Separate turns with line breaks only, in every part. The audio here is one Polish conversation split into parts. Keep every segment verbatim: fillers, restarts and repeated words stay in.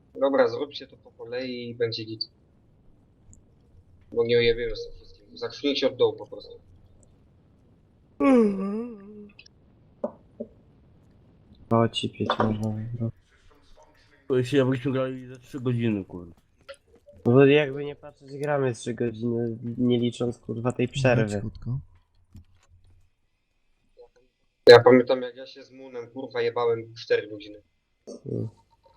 Dobra, zróbcie to po kolei i będzie git. Bo nie ojebiemy z tym wszystkim. Zacznijcie od dołu po prostu.
O, ci pieć można. No.
To się jakbyśmy grali za trzy godziny, kurde.
No bo jakby nie patrzeć, gramy trzy godziny, nie licząc kurwa tej przerwy.
Cichutko.
Ja pamiętam jak ja się z Moonem kurwa jebałem cztery godziny.
Mm.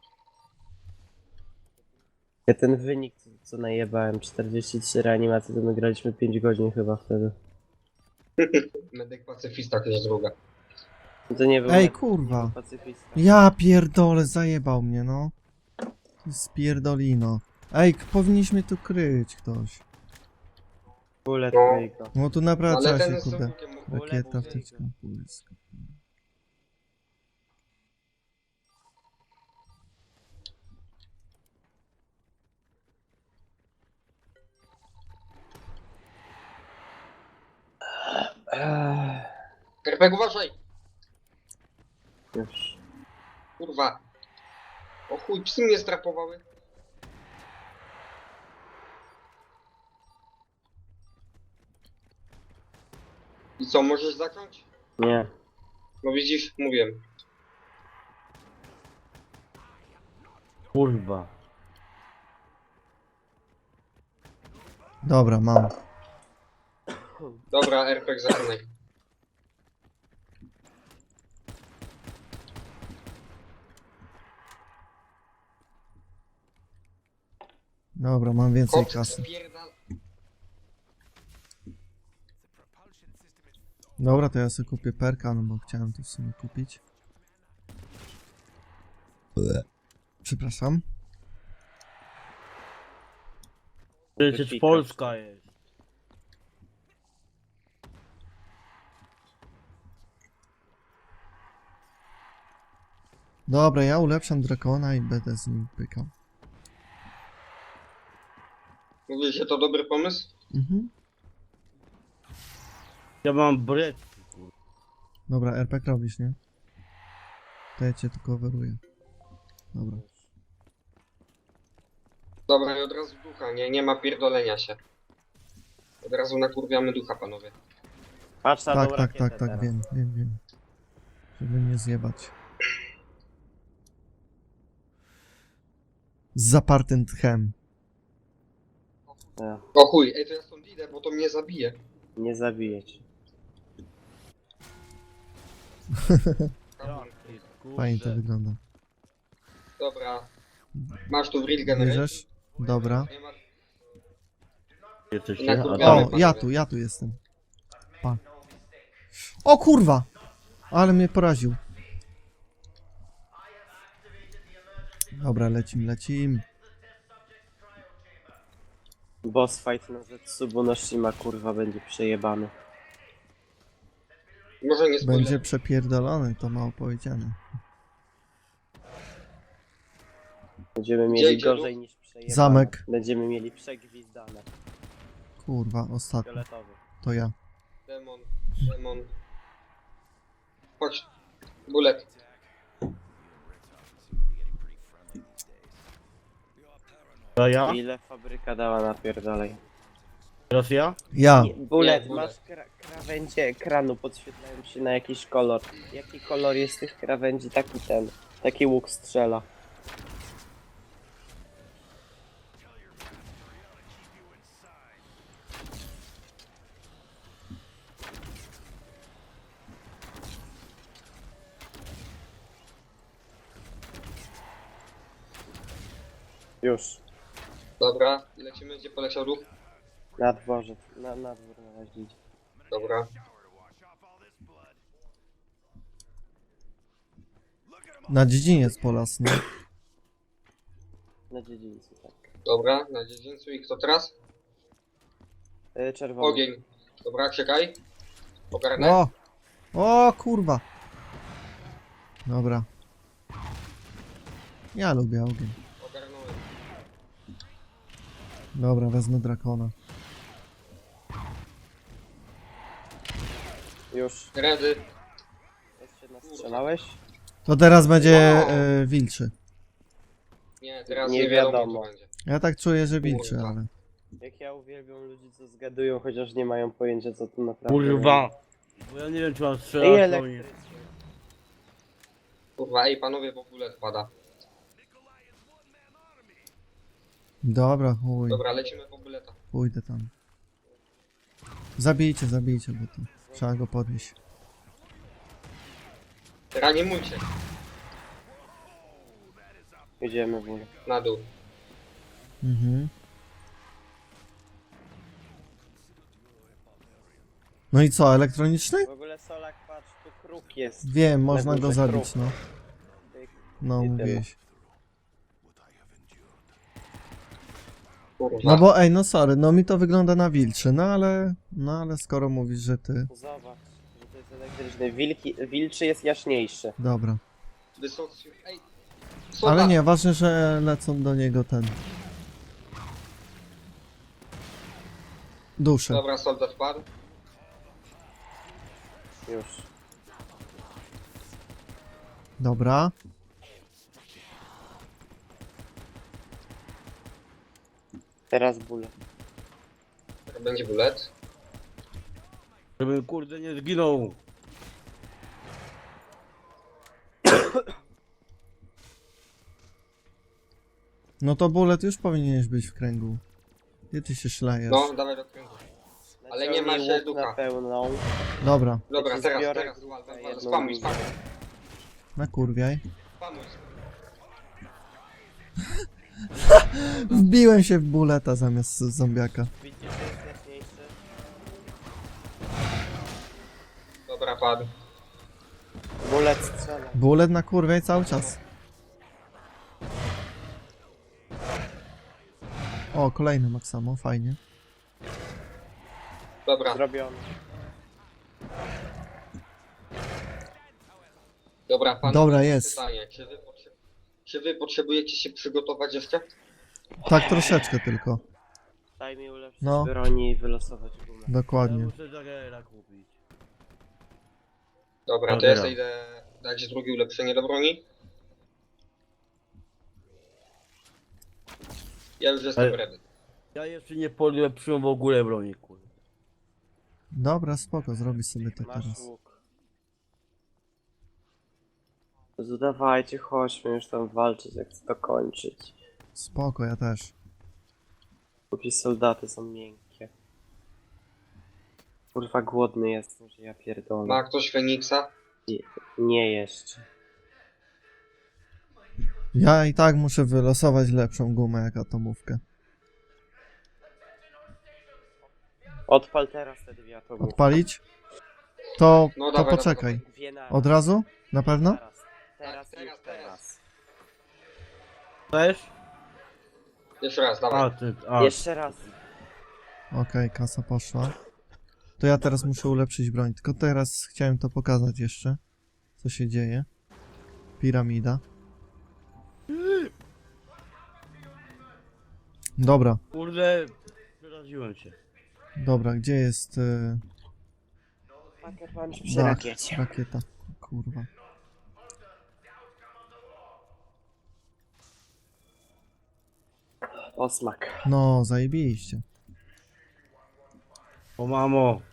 Ja ten wynik, co, co najebałem, czterdzieści trzy reanimacje, to my graliśmy pięć godzin chyba wtedy.
Medyk pacyfista to jest druga.
No to nie był
Ej,
nie-
kurwa.
nie był pacyfista.
Ja pierdolę, zajebał mnie, no. Spierdolino. Ej, k- powinniśmy tu kryć ktoś.
Bullet
No.
Wake.
No tu naprawdę
Ale
trzeba
ten
się,
jest
kurde.
całkiem...
Rakieta, wtyczka, błysk.
Eee,
Kerpek, uważaj!
Już.
Kurwa. O chuj, psy mnie strapowały. I co, możesz zacząć?
Nie.
No widzisz, mówiłem.
Kurwa.
Dobra, mam.
Dobra, R P G zaczynaj.
Dobra, mam więcej
Kot
kasy.
spierdal...
Dobra, to ja sobie kupię perka, no bo chciałem to w sumie kupić. Ble. Przepraszam.
Przecież
Wypika.
Polska jest.
Dobra, ja ulepszam drakona i będę z nim pykał.
Mówisz, że to dobry pomysł?
Mhm.
Ja mam bret.
Dobra, R P G robisz, nie? To ja cię tu coveruję. Dobra.
Dobra, i od razu ducha, nie, nie ma pierdolenia się. Od razu nakurwiamy ducha, panowie.
Patrz na
Tak,
tą
tak,
rakietę
tak, tak,
teraz.
wiem, wiem, wiem. Żeby nie zjebać. Z zapartym tchem.
Ja,
O chuj, ej, to ja stąd idę, bo to mnie zabije.
nie zabiję cię.
Fajnie to wygląda.
Dobra. Masz tu w real generate?
Bierzesz? Dobra.
Nie ma...
Jesteście?
Na
A
kurwa.
tam-
O, ja tu, ja tu jestem. Pa. O kurwa! Ale mnie poraził. Dobra, lecim, lecim.
Boss fight na Zetsubo no Shima kurwa będzie przejebany.
Może nie spoiler.
Będzie przepierdolony, to mało powiedziane.
Będziemy
Gdzie
mieli
idzie
gorzej
ruch?
niż przejebane.
Zamek.
Będziemy mieli przegwizdane.
Kurwa, ostatni.
Fioletowy.
To ja.
Demon, demon. Chodź. Bullet.
A ja?
Ile fabryka dała napierdalej?
Teraz ja?
Ja.
Nie, Bullet,
Nie, bullet.
masz kra krawędzie ekranu, podświetlają się na jakiś kolor. Jaki kolor jest tych krawędzi? Taki ten. Taki łuk strzela. Już.
Dobra. I lecimy, gdzie poleciał duch?
Na dworze. Na, na dwór na razie idzie.
Dobra.
Na dziedziniec polas, nie?
Na dziedzińcu, tak.
Dobra, na dziedzińcu i kto teraz?
Yy, czerwony.
Ogień. Dobra, czekaj. Ogarnę.
O! O kurwa! Dobra. Ja lubię ogień.
Ogarnąłem.
Dobra, wezmę drakona.
Już.
Redy.
Jeszcze nastrzelałeś?
To teraz będzie
Wow.
y, wilczy.
Nie, teraz
Nie
nie, wiadomo,
wiadomo.
co będzie.
Ja tak czuję, że wilczy,
Kurwa.
ale...
Jak ja uwielbiam ludzi, co zgadują, chociaż nie mają pojęcia, co tu naprawdę
Kurwa.
będzie.
Bo ja nie wiem czy mam
Ej,
strzelać, to nie.
elektrycznie.
Kurwa, ej panowie, bo bullet pada.
Dobra, chuj.
Dobra, lecimy po bulleta.
Pójdę tam. Zabijcie, zabijcie, bo to trzeba go podnieść.
Reanimujcie.
Jedziemy w ogóle.
Na dół.
Mhm. No i co, elektroniczny?
W ogóle Solak, patrz, tu kruk jest.
Wiem, można
górze
go zabić,
kruk.
no.
Tyk.
No,
I tyle.
mówiłeś.
Kurwa.
No bo ej, no sorry, no mi to wygląda na wilczy, no ale... No ale skoro mówisz, że ty...
Zobacz, że to jest elektryczny. Wilki, wilczy jest jaśniejszy.
Dobra.
Wysocy... Ej!
Ale
Soldat!
nie, ważne, że lecą do niego ten... Dusze.
Dobra, soldat padł.
Już.
Dobra.
Teraz bóle.
Teraz będzie bullet.
Żebym kurde nie zginął.
No to bullet już powinieneś być w kręgu. Gdzie ty się szlajesz?
No, dawaj do kręgu. Ale nie ma
Naciągnij
się
łuk
ducha.
na pełną.
Dobra,
Dobra,
Ja ci
teraz,
zbiorę
teraz,
na
Walter, Walter,
jedną
spamuj,
linię.
spamuj,
nakurwiaj.
spamuj.
Wbiłem się w bulleta zamiast zombiaka.
Widzisz, że jest jaśniejszy?
Dobra, padł.
Bullet strzela.
Bullet nakurwiaj cały czas. O, kolejny Maxamo, fajnie.
Dobra,
Zrobiony.
dobra, pan.
Dobra, jest.
Pytanie, czy wy, potrze- czy wy potrzebujecie się przygotować jeszcze?
Tak troszeczkę tylko.
Daj mi ulepszyć
No.
broni i wylosować gumę.
Ja
Dokładnie.
muszę Jagera kupić.
Dobra, to
Dobra.
ja sobie idę dać drugie ulepszenie do broni. Ja już jestem
Ale-
ready.
Ja jeszcze nie polepszyłem w ogóle broni, kurde.
Dobra, spoko, zrobisz sobie to
Masz
teraz.
łuk. Zadawajcie, chodźmy już tam walczyć, jak chcę to kończyć.
Spoko, ja też.
Póki soldaty są miękkie. Kurwa, głodny jestem, że ja pierdolę.
Ma ktoś Feniksa?
Nie jeszcze.
Ja i tak muszę wylosować lepszą gumę jak atomówkę.
Odpal teraz te dwie atomy.
Odpalić? To,
No
to
dawaj,
poczekaj.
Dwie naraz.
Od razu? Na pewno?
Teraz. Teraz,
Tak,
już
teraz, teraz.
teraz.
Też?
Jeszcze raz,
A,
dawaj.
ty, a.
Jeszcze raz.
Okej, kasa poszła. To ja teraz muszę ulepszyć broń. Tylko teraz chciałem to pokazać jeszcze. Co się dzieje. Piramida. Dobra,
Kurde, przeraziłem się.
dobra, gdzie jest y,
Packer punch przy
dach?
rakiecie.
Rakieta. Kurwa.
Osmak.
No, zajebiście.
O mamo.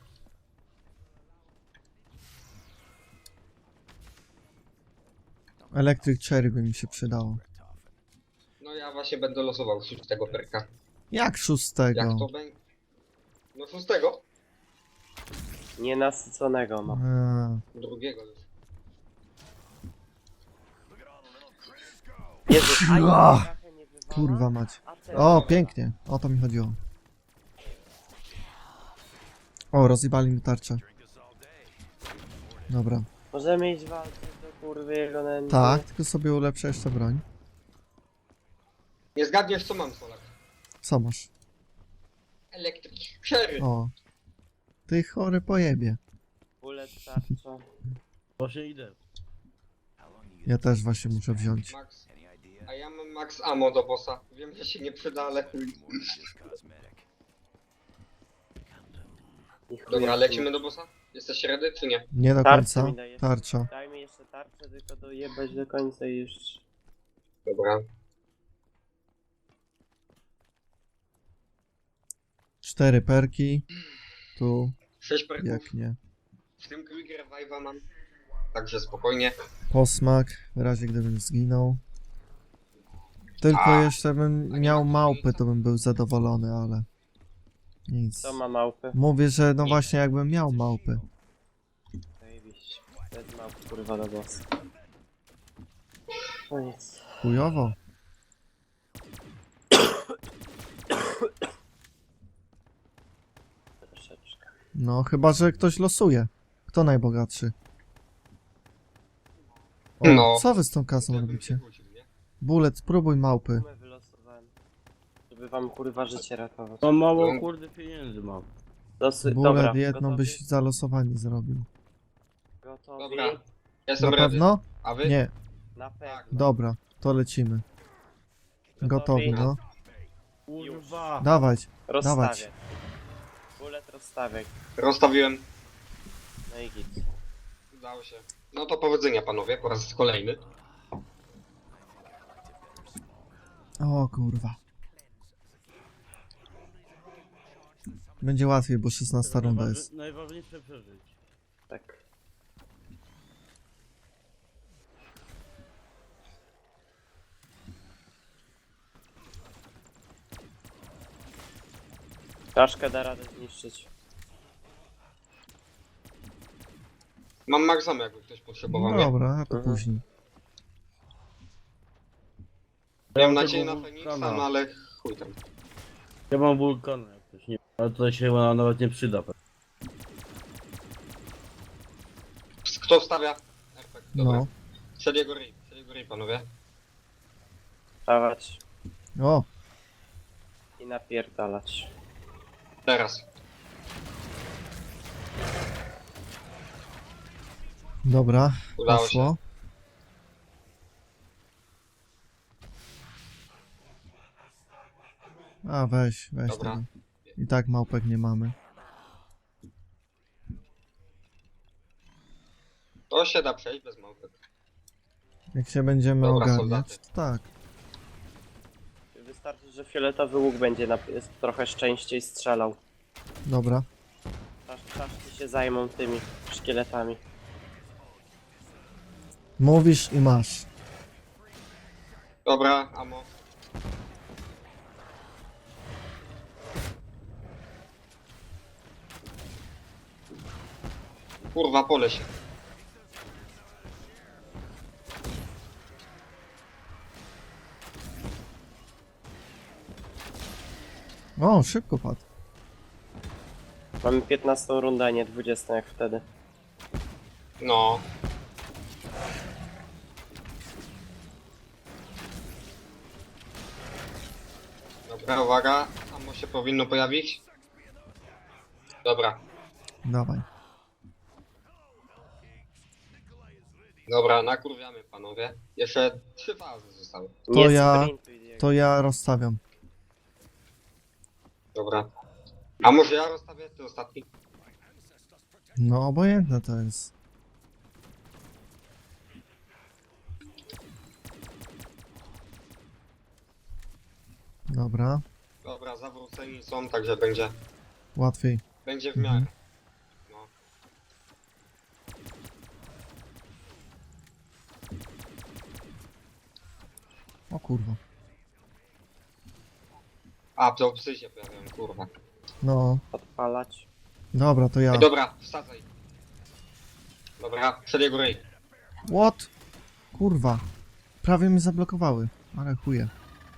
Electric Cherry by mi się przydało.
No ja właśnie będę losował szóstego perka.
Jak
Jak
szóstego?
to będzie? No szóstego?
Nienasyconego ma.
Eee,
Drugiego już.
Jezu, a
Ach,
ja trochę nie wywala,
kurwa mać.
a ten
O,
wywala.
pięknie. O to mi chodziło. O, rozjebali mi tarczę. Dobra.
Możemy iść walczyć do kurwy jego nędzy.
Tak, tylko sobie ulepszę jeszcze broń.
Nie zgadniesz co mam, Solak.
Co masz?
Electric Cherry.
O. Ty chory pojebie.
Bullet tarcza.
Właśnie idę.
Ja też właśnie muszę wziąć.
Max. A ja mam max ammo do bossa. Wiem, że się nie przyda, ale chuj.
I chuj,
Dobra,
jak
lecimy do bossa? Jesteś ready, czy nie?
Nie do
Tarczę
końca.
mi dajesz.
Tarcza.
Daj mi jeszcze tarczę, tylko dojebać do końca i już.
Dobra.
Cztery perki. Tu,
sześć perków.
jak nie.
W tym Quick Revive'a mam. Także spokojnie.
Posmak, w razie gdybym zginął. Tylko
A,
jeszcze bym
a nie
miał
ma
małpy,
różnicy.
to bym był zadowolony, ale... Nic.
Co ma małpy?
Mówię, że no
Nic.
właśnie jakbym miał małpy.
Zajebiście. To jest małpy, kurwa, do bossa. No nic.
Chujowo.
Troszeczkę.
No, chyba że ktoś losuje. Kto najbogatszy? O,
No.
co wy z tą kasą
Jakbym się
robicie?
kłócił, nie?
Bullet, spróbuj małpy.
Sumę wylosowałem. Żeby wam kurwa życie ratować.
Mam mało kurde pieniędzy mam.
Losy...
Bullet
Dobra,
jedną
gotowi?
byś za losowanie zrobił.
Gotowi?
Dobra. Ja jestem
Na
ready.
pewno?
A wy?
Nie,
Na pewno.
dobra, to lecimy. Gotowi, no.
Kurwa.
Dawać.
Rozstawię. Bullet rozstawię.
Rozstawiłem.
No i git.
Udało się. No to powodzenia panowie, po raz kolejny.
O kurwa. Będzie łatwiej, bo szesnasta runda
Najważy-
jest.
Najważniejsze przeżyć.
Tak. Czaszkę da radę zniszczyć.
Mam Maxama, jakby ktoś potrzebował, nie?
Dobra, a to
Mhm.
później.
Miałem
Ja mam
nadzieję na
tego
Feniksa,
wulkana.
no ale chuj tam.
Ja mam wulkana jak ktoś nie. Ale tutaj się ona nawet nie przyda.
Kto wstawia? Perfekt, dobra.
No.
Przed jego ryj, przed jego ryj panowie.
Dawać
O,
i napierdalać.
Teraz.
dobra,
Udało
poszło. A weź, weź
Dobra.
tego. I tak małpek nie mamy.
To się da przejść bez małpek.
Jak się będziemy
Dobra,
ogarniać,
soldaty.
to tak.
Wystarczy, że fioletowy łuk będzie na... trochę częściej strzelał.
Dobra.
Czasz, czaszki się zajmą tymi szkieletami.
Mówisz i masz.
Dobra, amo. Kurwa, pole się.
O, szybko padł.
Mamy piętnastą rundę, a nie dwudziestą jak wtedy.
No. Dobra, uwaga. Amo się powinno pojawić. Dobra.
Dawaj.
Dobra, nakurwiamy panowie. Jeszcze trzy fazy zostały.
To
Nie
ja-
sprintuj, Diego.
To ja rozstawiam.
Dobra. A może ja rozstawię ty ostatni?
No, obojętne to jest. Dobra,
Dobra, zawróceni są, także będzie,
łatwiej.
będzie w miarę. No.
O kurwa.
A, to psy się pojawiają, kurwa.
No,
Odpalać.
dobra, to ja.
Ej, dobra, wsadzaj. Dobra, przed jego ryj.
What? Kurwa. Prawie mnie zablokowały, ale chuje.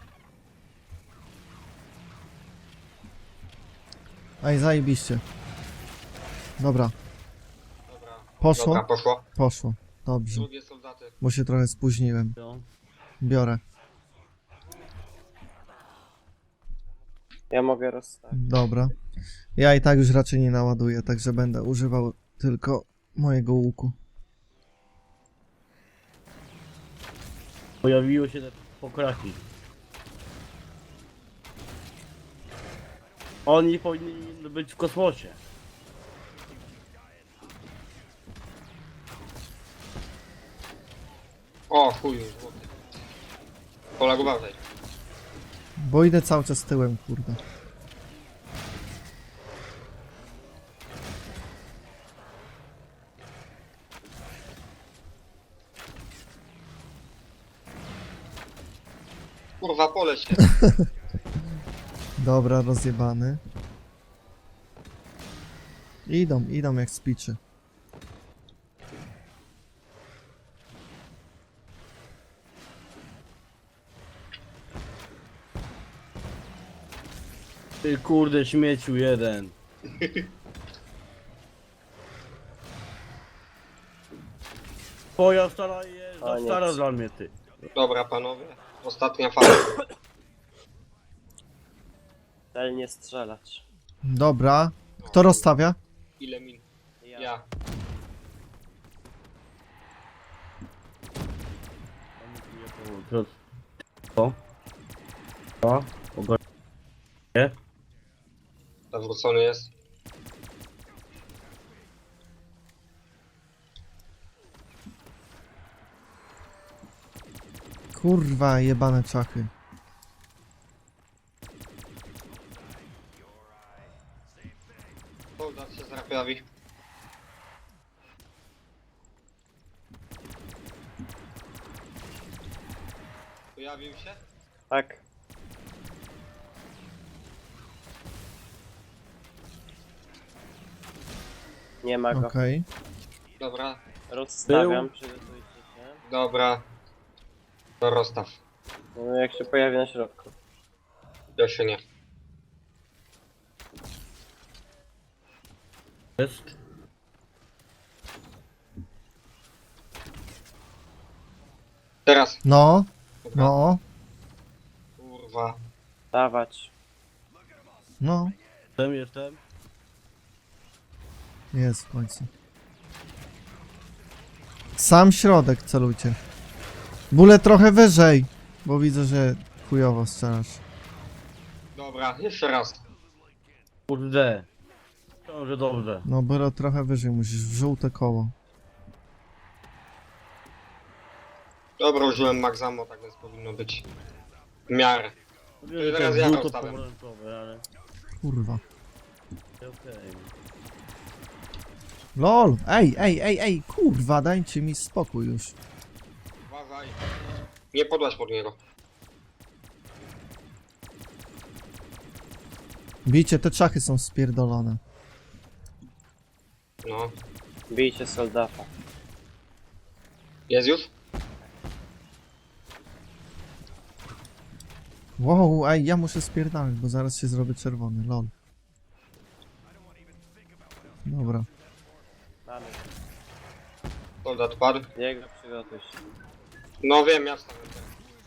Ej, zajebiście. Dobra,
Dobra.
poszło?
Dobra, poszło.
Poszło. Dobrze,
Drugie soldaty.
bo się trochę spóźniłem.
No.
Biorę.
Ja mogę rozstawić.
Dobra. Ja i tak już raczej nie naładuję, także będę używał tylko mojego łuku.
Pojawiło się te pokraki. Oni powinni być w kosmosie.
O, chuju, złoty. Polak, uważaj.
Bo idę cały czas tyłem, kurde.
Kurwa, pole się.
Dobra, rozjebany. Idą, idą jak spiczy.
Ty kurde śmieciu jeden. Twoja stara jest za
Koniec.
stara dla mnie ty.
Dobra, panowie. Ostatnia fala.
Celnie strzelać.
Dobra. Kto rozstawia?
Ile min?
Ja.
Ja.
Co? Co? Co? Ogarnie?
Zawrócony jest.
Kurwa, jebane czachy.
Soldat się zrapiawi. Pojawił się?
Tak. Nie ma go.
Okej.
Dobra,
Rozstawiam, przygotujcie się.
dobra. To rozstaw.
No, jak się pojawi na środku.
Ja się nie.
Jest?
Teraz.
No,
Dobra.
no,
Kurwa.
Dawać.
no.
Jestem, jestem.
Jest w końcu. Sam środek celujcie. Bóle trochę wyżej, bo widzę, że chujowo strzelasz.
Dobra, jeszcze raz.
Kurde. Ciąże dobrze.
No, byle trochę wyżej, musisz w żółte koło.
Dobra, użyłem Maxamo, tak więc powinno być. W miarę.
Wiem, że
teraz
to
ja
żółto
rozstawiam.
pomarańczowe, ale
Kurwa.
okej.
LOL! Ej, ej, ej, ej, kurwa, dajcie mi spokój już.
Uważaj. Nie podłaś pod niego.
Bijcie, te czachy są spierdolone.
No.
Bijcie soldata.
Jest już?
Wow, ej, ja muszę spierdalać, bo zaraz się zrobię czerwony, lol. Dobra.
Mamy.
Soldat padł.
Diego, przygotuj się.
No wiem, ja wstanę teraz.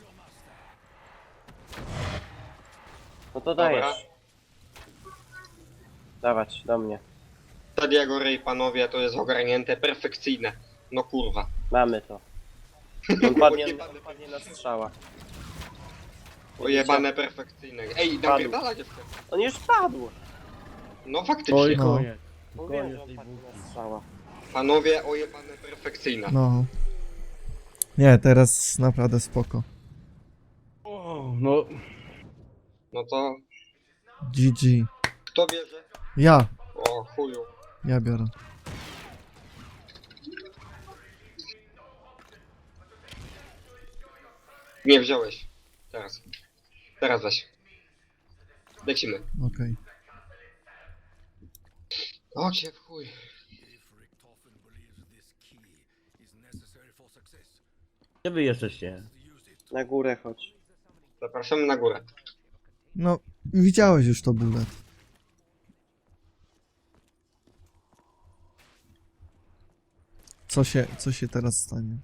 No to
Dobra.
dajesz. Dawać, do mnie.
Tadiago Ray, panowie, to jest ogarnięte, perfekcyjne. No kurwa.
Mamy to. On padnie, on padnie na strzała.
Ojebane perfekcyjne. Ej, napierdala dziewczę.
On już padł!
No
Oj,
faktycznie.
No.
koniec.
Mówiłem,
Koniec
że on
tej
padnie
bułki.
na strzała.
Panowie, ojebane perfekcyjne.
No. Nie, teraz naprawdę spoko.
O, no.
No to
G G.
kto bierze?
Ja,
O chuju.
ja biorę.
Nie wziąłeś. Teraz. Teraz weź. Lecimy.
Okej.
O cię w chuj.
Gdzie wy jesteście?
Na górę chodź.
Zapraszamy na górę.
No, widziałeś już to bullet. Co się, co się teraz stanie?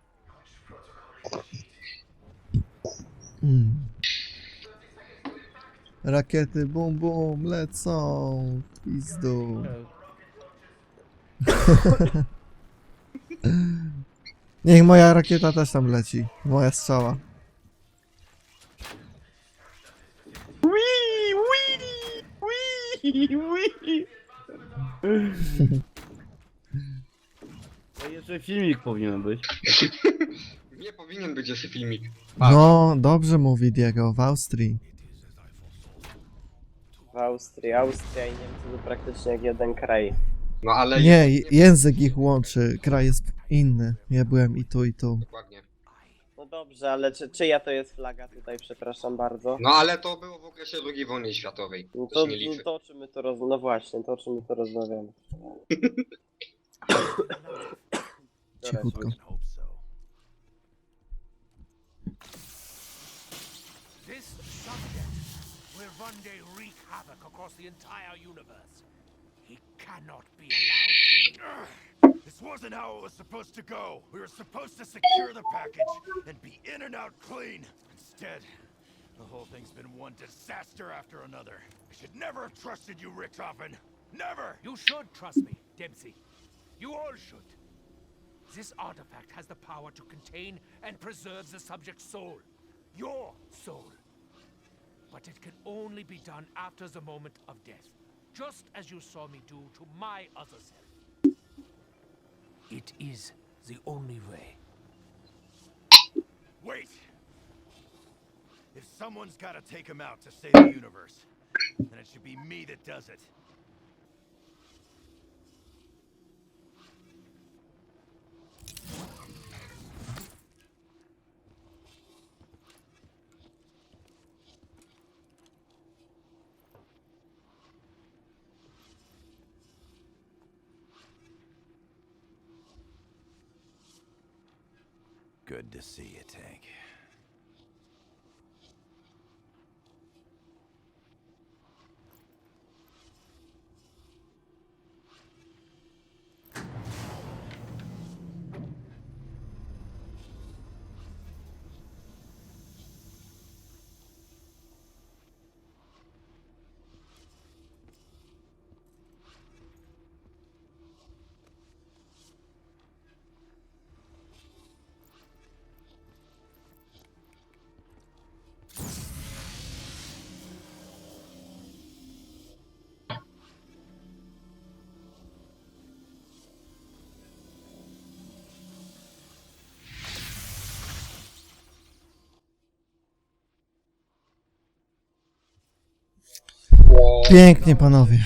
Mm. Rakiety bum bum lecą w pizdu. Niech moja rakieta też tam leci. Moja strzała.
Wii, wii, wii, wii. To jeszcze filmik powinien być.
Nie powinien być jeszcze filmik.
No, dobrze mówi Diego, w Austrii.
W Austrii. Austria i Niemcy to praktycznie jak jeden kraj.
No ale...
Nie, j- język ich łączy, kraj jest inny. Ja byłem i tu, i tu.
Dokładnie.
No dobrze, ale czy, czyja to jest flaga tutaj, przepraszam bardzo?
No ale to było w okresie drugiej wojny światowej.
No
To
to,
się nie liczy.
to o czym my to roz... No właśnie, to o czym my to rozmawiamy.
Cichutko.
Hope so. This subject will one day wreak havoc across the entire universe. He cannot be allowed to. This wasn't how it was supposed to go. We were supposed to secure the package and be in and out clean. Instead, the whole thing's been one disaster after another. I should never have trusted you, Richthofen. Never! You should trust me, Dempsey. You all should. This artifact has the power to contain and preserve the subject's soul. Your soul. But it can only be done after the moment of death. Just as you saw me do to my other self. It is the only way. Wait! If someone's gotta take him out to save the universe, then it should be me that does it. Good to see you, Tank.
Pięknie, panowie.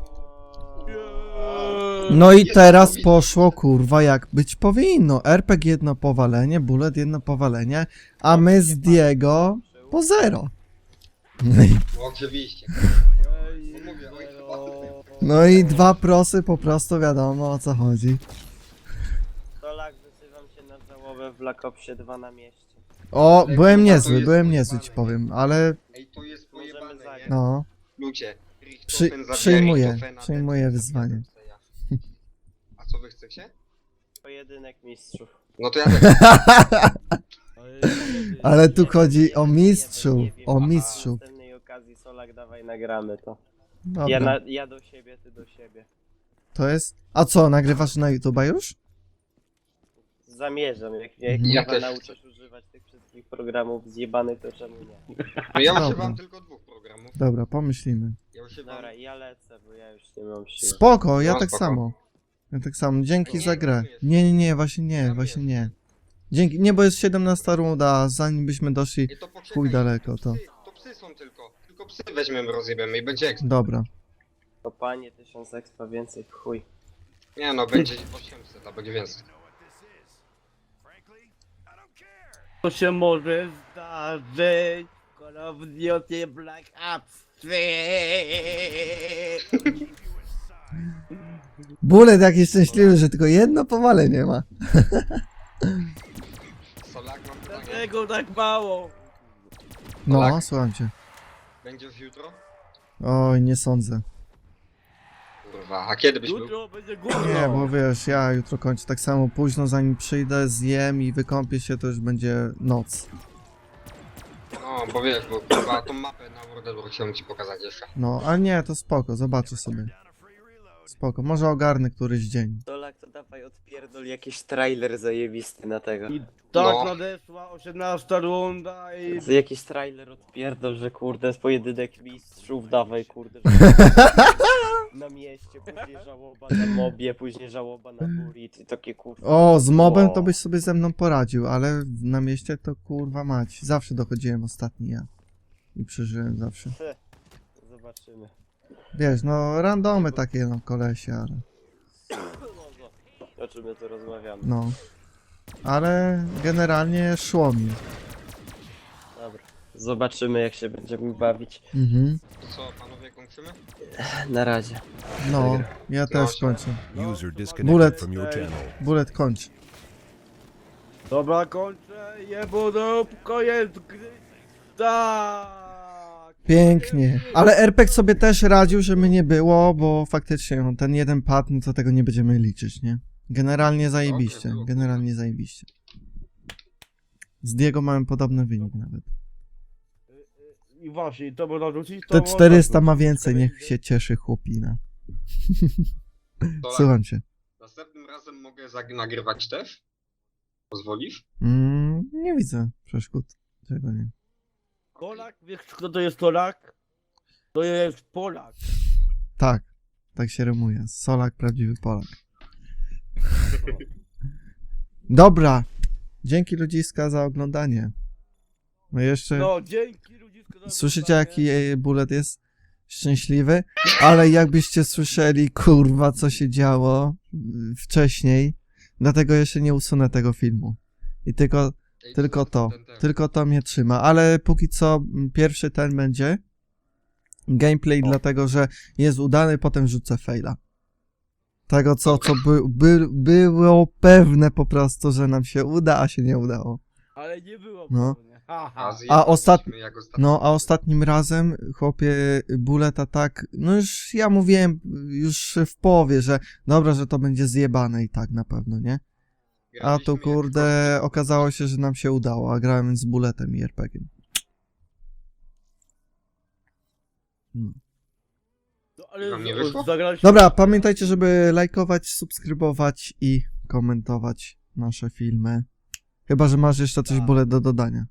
No i teraz poszło, kurwa, jak być powinno. R P G jedno powalenie, bullet jedno powalenie, a my z Diego po zero. No i,
No oczywiście. No mówię, oj, chyba.
no i dwa prosy po prostu wiadomo o co chodzi.
Solak, wzywam się na żałobę w Black Opsie dwa na mieście.
O,
Ale
byłem
kurwa, to
niezły,
jest
byłem niezły
pojebane,
ci powiem, ale
Ej, to jest
Możemy
pojebane,
zagrać.
nie?
no,
Ludzie.
Przy-
Richtofen zabija
przyjmuję,
Richtofena,
przyjmuję
Dempsey
wyzwanie.
zabija Dempseya. A co wy chcecie?
Pojedynek mistrzów.
No to ja tak.
ale tu
Nie wiem,
chodzi
nie
o
wiem, nie wiem,
mistrzów,
nie wiem.
o
A
mistrzów.
W następnej okazji, Solak, dawaj nagramy to. Ja,
Dobra,
na, ja do siebie, ty do siebie.
to jest... A co, nagrywasz na YouTube'a już?
Zamierzam, jak jak
Mhm.
Ja
ja
też
nauczysz używać tych wszystkich programów zjebanych, to czemu nie?
No ja
Dobra.
używam tylko dwóch programów.
Dobra, pomyślimy.
Ja używam...
Dobra, ja lecę, bo ja już nie mam siły.
Spoko, ja
No,
tak
spoko.
samo. Ja tak samo, dzięki
Nie,
za grę.
nie,
Nie, nie, nie, właśnie nie,
Tam
właśnie
jest.
nie. Dzięki, nie, bo jest siedemnasta runda, a zanim byśmy doszli...
Ej, to poczekaj,
Chuj daleko, to.
Psy, to psy są tylko. Tylko psy weźmiemy, rozjebiemy i będzie ekstra.
Dobra.
Kopanie, tysiąc expa więcej w chuj.
Nie no, będzie osiemset, albo dziewięćset.
Know what this is. Frankly, I don't care.
To się może zdarzyć. Call of Duty Black Ops trzy.
Bullet jaki szczęśliwy, że tylko jedno powalenie ma.
Solak, mam pytanie.
Dlaczego tak mało?
No,
Tak.
słucham cię.
Będziesz jutro?
Oj, nie sądzę.
Kurwa, a kiedy byś był?
Jutro będzie gówno.
Nie, bo wiesz, ja jutro kończę tak samo późno, zanim przyjdę, zjem i wykąpię się, to już będzie noc.
No, bo wiesz, bo kurwa tą mapę na World chciałem ci pokazać jeszcze.
No, ale nie, to spoko, zobaczę sobie. Spoko, może ogarnę któryś dzień.
Solak, to dawaj odpierdol jakiś trailer zajebisty na tego.
I tak
No.
nadeszła osiemnasta runda i...
Z jakiś trailer odpierdol, że kurde, jest pojedynek mistrzów, dawaj kurde, że... Na mieście, później żałoba na mobie, później żałoba na burit i takie kurde.
O, z mobem
O.
to byś sobie ze mną poradził, ale na mieście to kurwa mać. Zawsze dochodziłem ostatni ja. I przeżyłem zawsze.
Zobaczymy.
Wiesz, no randomy takie no kolesie, ale
O czym my tu rozmawiamy?
no. ale generalnie szło mi.
Dobra. Zobaczymy jak się będziemy bawić.
Mhm.
To co, panowie, kończymy?
Na razie.
No, ja też kończę.
User
Bullet.
disconnected from your channel.
Bullet kończ.
Dobra, kończę, jebudówko jest gry. Tak!
Pięknie. Ale R P G sobie też radził, żeby nie było, bo faktycznie no, ten jeden pad, no to tego nie będziemy liczyć, nie? Generalnie zajebiście,
było.
generalnie zajebiście. Z Diego mamy podobny wynik nawet.
I właśnie, to można rzucić, to
Te
można
czterysta ma
rzucić.
więcej, niech się cieszy chłopina.
To
Słucham cię.
następnym razem mogę zag- nagrywać też? Pozwolisz?
Mm, nie widzę przeszkód. Czego nie?
Polak? Wiesz kto to jest Polak? To jest Polak.
Tak, tak się rymuje. Solak, prawdziwy Polak. Dobra. Dzięki ludziska za oglądanie. No jeszcze...
No, dzięki ludzisko za
Słyszycie
oglądanie.
jaki e, Bullet jest szczęśliwy? Ale jakbyście słyszeli, kurwa, co się działo y, wcześniej, dlatego jeszcze nie usunę tego filmu. I tylko,
Ej,
tylko
co
to,
ten, ten.
tylko to mnie trzyma. Ale póki co m, pierwszy ten będzie gameplay, dlatego że jest udany, potem rzucę faila. Tego co, co by, by, było pewne po prostu, że nam się uda, a się nie udało.
Ale nie było
No.
pewnie. Haha.
A,
A ostat-
zjebaliśmy jak ostatnio.
No, a ostatnim razem, chłopie, Buleta tak, no już ja mówiłem już w połowie, że dobra, że to będzie zjebane i tak na pewno, nie? A
Graliśmy
tu
jak
kurde,
kości.
okazało się, że nam się udało, a grałem z Buletem i er pe giem. No.
No, ale
Wam nie
z-
wyszło?
zagraliśmy-
Dobra, pamiętajcie, żeby lajkować, subskrybować i komentować nasze filmy. Chyba, że masz jeszcze coś
Tak.
Bulet do dodania.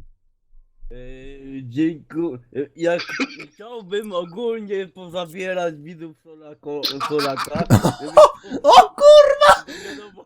Yy, dziękuję. Jak chciałbym ogólnie pozabierać widzów Solako, Solaka. żeby-
O kurwa!
Wiadomo.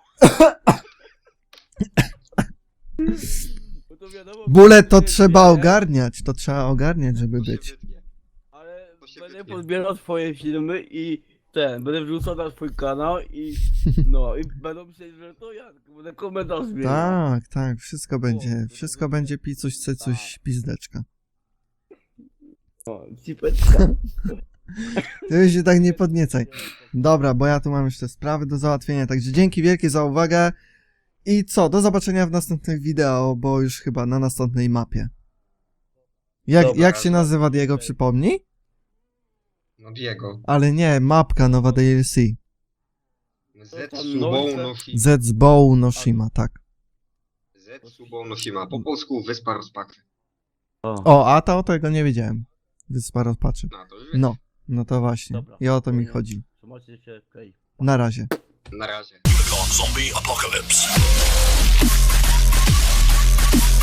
Bo to wiadomo,
Bulet to
że
trzeba
nie,
ogarniać, to trzeba ogarniać, żeby
To się
być.
wytnie.
Ale
To się
będę
wytnie.
podbierał twoje filmy i ten, będę wrzucał na swój kanał i no i będą myśleć, że to ja, tylko będę komentarz zmieniał.
Tak, tak, wszystko będzie,
to
wszystko
będzie-
będzie picuś, cycuś, pizdeczka.
No, cipeczka.
Ty się tak nie podniecaj. Dobra, bo ja tu mam jeszcze sprawy do załatwienia, także dzięki wielkie za uwagę. I co, do zobaczenia w następnych wideo, bo już chyba na następnej mapie. Jak,
Dobra,
jak się
dobra.
nazywa Diego, przypomnij?
No Diego.
Ale nie, mapka nowa D L C.
Zetsubou no Shima.
Zetsubou no Shima, tak.
Zetsubou no Shima. Po polsku Wyspa Rozpaczy.
O, a to tego nie wiedziałem. Wyspa rozpaczy.
No to już
No, no to właśnie.
Dobra.
I o to mi chodzi.
Trzymajcie się, okej.
Na razie.
na razie.
Zombie apocalypse.